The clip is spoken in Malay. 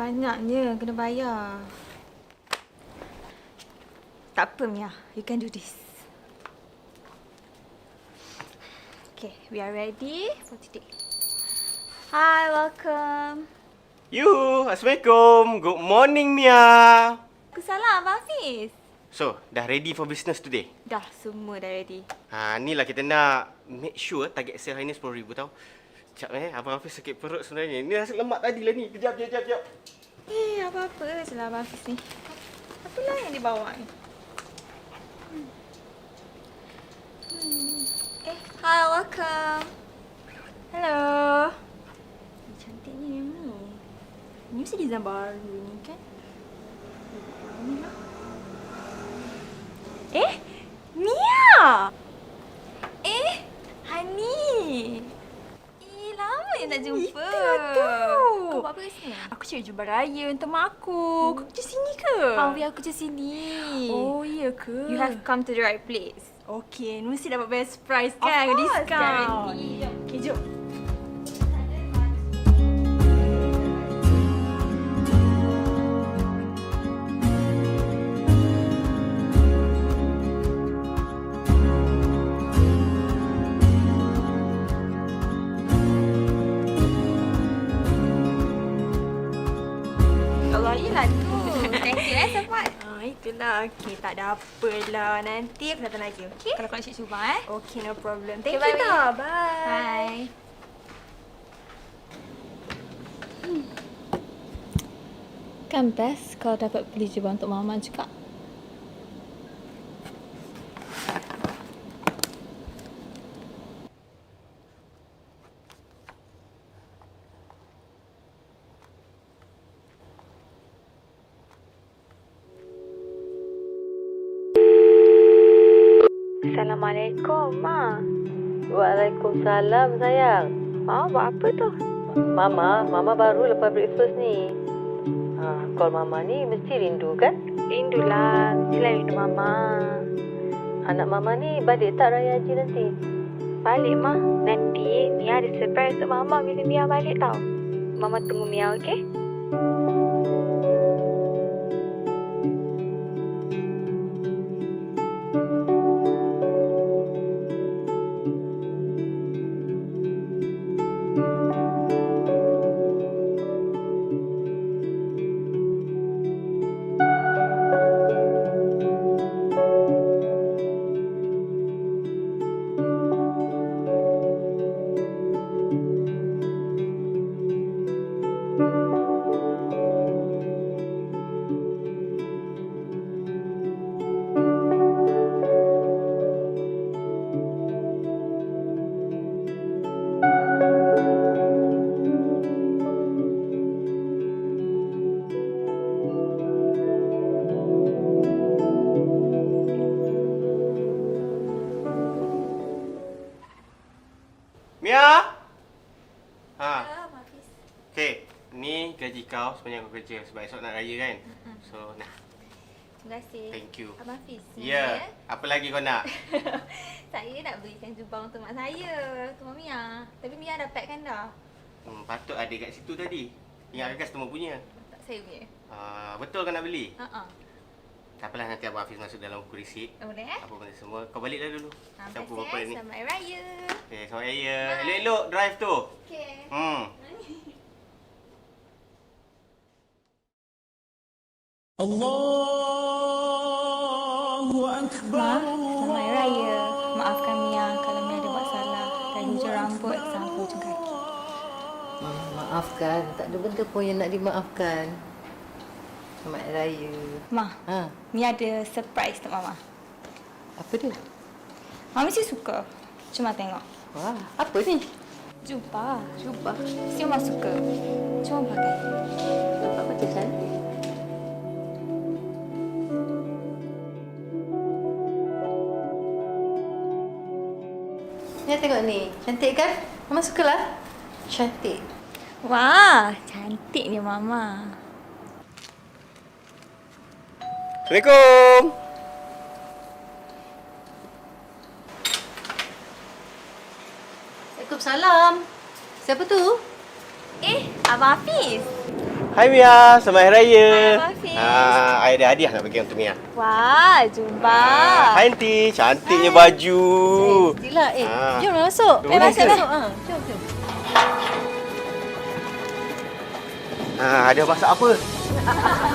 banyaknya. Kena bayar. Tak apa, Mia. You can do this. Okay, we are ready for today. Hi, welcome. Assalamualaikum. Good morning, Mia. Kesalah, Abang Hafiz. So, dah ready for business today? Dah, semua dah ready. Ni lah kita nak make sure target sale hari ni 10,000 tau. Sekejap Abang Hafiz sakit perut sebenarnya. Ni nasi lemak tadi lah ni. Kejap. Apa-apa je lah Abang Hafiz ni. Apalah yang dibawa ni? Hi, welcome. Hello. Cantiknya yang ni. Ni mesti design baru ni kan? Mia! Hani! Lama yang tak jumpa. Itulah tu. Kau buat apa kat sini? Aku cari jumpa raya untuk mak aku. Kau kerja sini ke? Aku kerja sini. Oh, iya ke? You have come to the right place. Okay, mesti dapat best price kan? Of course, Discount. guarantee. Okay, jom. Yelah tu. Thank you support. Itulah. Okay, tak ada apalah. Nanti aku datang lagi, okay? Kalau kau nak cuba Okay, no problem. Thank Okay, you bye, dah. Bye. Kan best kalau dapat beli jubah untuk Mama juga. Assalamualaikum, Ma. Waalaikumsalam, sayang. Buat apa tu? Mama baru lepas breakfast ni. Call Mama ni mesti rindu kan? Rindulah. Mestilah rindu Mama. Anak Mama ni balik tak Raya Haji nanti? Balik, Ma. Nanti Mia ada surprise untuk Mama bila Mia balik tau. Mama tunggu Mia, okey? Mia? Okay, ni gaji kau sepanjang kau kerja sebab esok nak raya kan? So, nah. Terima kasih. Thank you. Abang Hafiz. Ya, apa lagi kau nak? Saya nak belikan jubah untuk mak saya, untuk Mia. Tapi Mia dah pack kan dah? Patut ada kat situ tadi. Ingatkan customer punya. Tak, saya punya. Betul kau nak beli? Ha. Tak apalah, nanti Abang Hafiz masuk dalam buku resip. Boleh Apa benda semua. Kau balik dah dulu. Campur Terima apa kasih. ni. Selamat Hari Raya. Okay, selamat raya. Elok-elok drive tu. Okay. Allahu Akbar. Selamat Hari Raya. Maafkan Mia kalau Mia ada buat salah. Dari hujung rambut sampai hujung kaki. Maafkan. Tak ada benda pun yang nak dimaafkan. Selamat Hari Raya. Ma, Mia ada surprise untuk Mama. Apa dia? Mama mesti suka. Cuma tengok. Wah, apa ni? Jubah. Mesti Mama suka. Cuma pakai. Nampak macam cantik. Ni tengok ni. Cantik kan? Mama sukalah. Cantik. Wah, cantiknya Mama. Assalamualaikum. Waalaikumsalam. Siapa tu? Abang Hafiz. Hai Mia, selamat Hari Raya. Hai, Hafiz. I ada hadiah nak bagi untuk Mia. Wah, jumpa. Hai Aunty, cantiknya baju. Sila, Ah. jom masuk. Masuk. Jom. Ada masak apa?